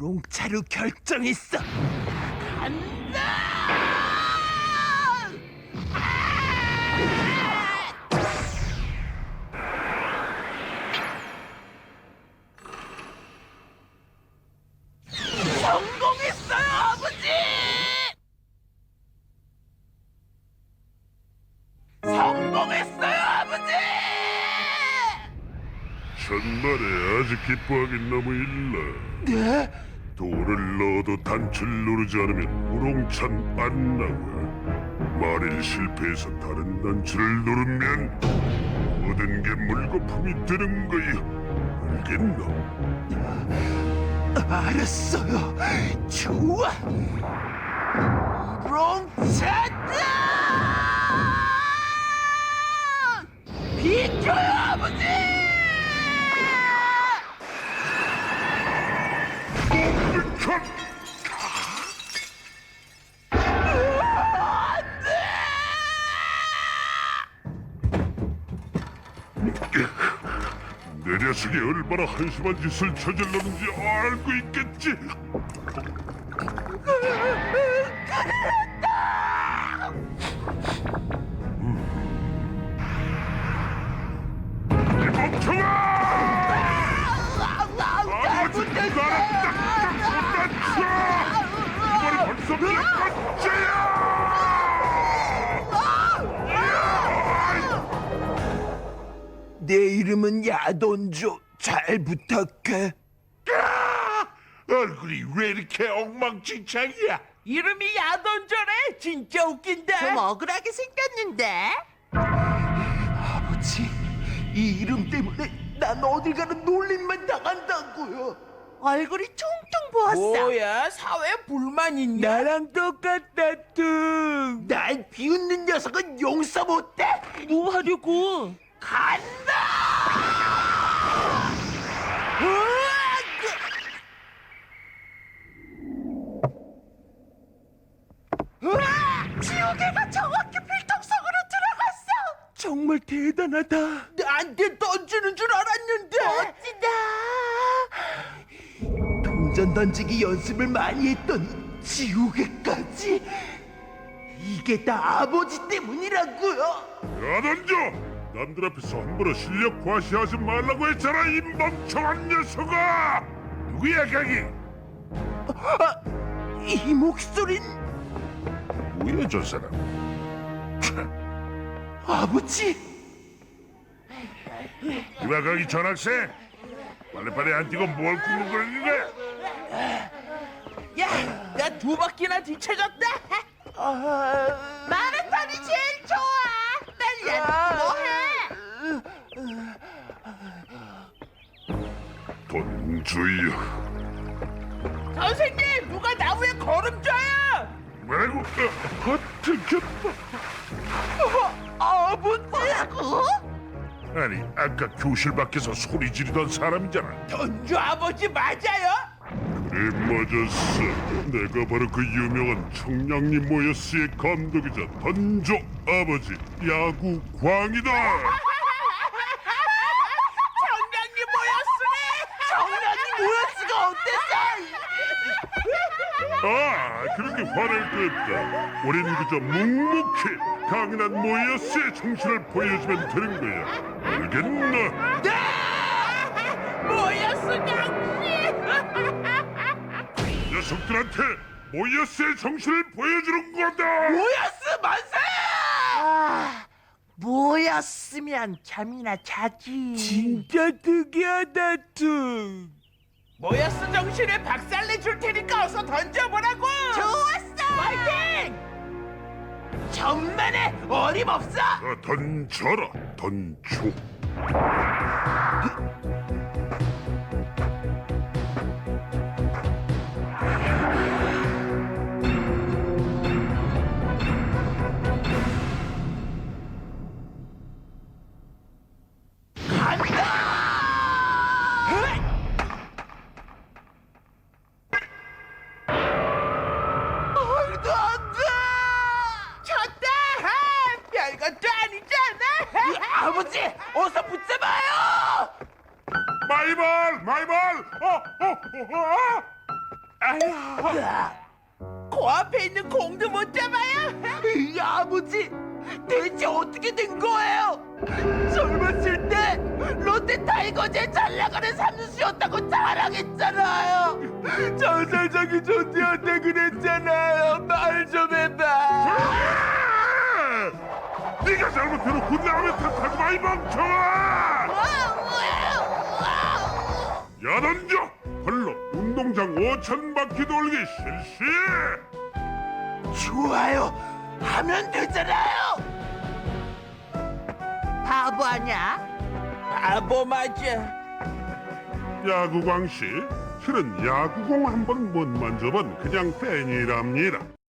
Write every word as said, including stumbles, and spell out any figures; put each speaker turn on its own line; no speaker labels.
우롱차로 결정했어.
성공했어요, 아버지! 성공했어요, 아버지!
천만에 아직 기뻐하긴 너무 일러.
네?
돌을 넣어도 단추를 누르지 않으면 우롱찬 안 나와. 만일 실패해서 다른 단추를 누르면 모든 게 물거품이 되는 거야. 알겠나?
알았어요. 좋아. 우롱차다!
비켜요, 아버지!
컷! 내 녀석이 얼마나 한심한 짓을 저질렀는지 알고 있겠지. 이 멍청아! 아버지 나를 딱딱 못다쳐! 이번이 벌써 몇 번째야!
내 이름은 야돈조. 잘 부탁해.
얼굴이 왜 이렇게 엉망진창이야?
이름이 야돈조래? 진짜 웃긴다. 좀 억울하게 생겼는데?
아버지, 이 이름 때문에 난 어딜 가는 놀림만 당한다고요.
얼굴이 퉁퉁 부었어. 뭐야? 사회 불만 있냐?
나랑 똑같다, 뚱. 날 비웃는 녀석은 용서 못해.
뭐 하려고?
간다!
지우개가 정확히 필통성으로 들어갔어.
정말 대단하다.
나한테 던지는 줄 알았는데. 멋지다.
동전 던지기 연습을 많이 했더니 지우개까지. 이게 다 아버지 때문이라고요.
야던져! 남들 앞에서 함부로 실력 과시하지 말라고 했잖아, 이 멍청한 녀석아! 누구야, 거기?
아, 이 목소린
뭐야, 저 사람?
아버지.
이봐, 거기 전학생! 빨리빨리 안 뛰고 뭘 꾸물거리는 거야?
야, 나 두 바퀴나 뒤쳐졌다.
아,
마라톤이 제일 좋아. 빨리 뭐해?
돈 주여.
선생님, 누가 나무에 걸음 줘요?
뭐라고? 어, 들켰다.
아버지라고?
아니, 아까 교실 밖에서 소리 지르던 사람이잖아.
던주 아버지 맞아요?
그래, 맞았어. 내가 바로 그 유명한 청량리 모여스의 감독이자 던조 아버지 야구 광이다.
정량이 모였으네. 정량이 모였으가 어땠어?
아, 그렇게 화낼 거 없다. 우린 그저 묵묵히 강인한 모여스의 정신을 보여주면 되는 거야. 알겠나?
모였어 강씨.
녀석들한테 모여스의 정신을 보여주는 거다.
모였어 만세. 아, 모였으면 잠이나 자지.
진짜 특이하다, 뚱.
모였어 정신에 박살내 줄 테니까 어서 던져보라고. 좋았어. 파이팅. 천만에 어림없어.
자, 던져라, 던조.
말도 안 돼! 쳤다! 별것도 아니잖아! 아버지! 어서 붙잡아요!
마이볼, 마이볼. 어, 어, 어, 어.
아휴, 코앞에 있는 공도 못 잡아요.
이 아버지, 대체 어떻게 된 거예요? 젊었을 때 롯데 타이거즈에 잘 나가는 삼수였다고 자랑했잖아요. 장사장이 존재한테 그랬잖아요. 말 좀 해봐.
아! 네가 잘못해놓고 남의 탓하지 마, 이 멍청아! 야단져! 발로 운동장 오천 바퀴 돌기 실시!
좋아요. 하면 되잖아요.
바보 아냐?
바보 맞아.
야구광씨, 실은 야구공 한 번 못 만져본 그냥 팬이랍니다.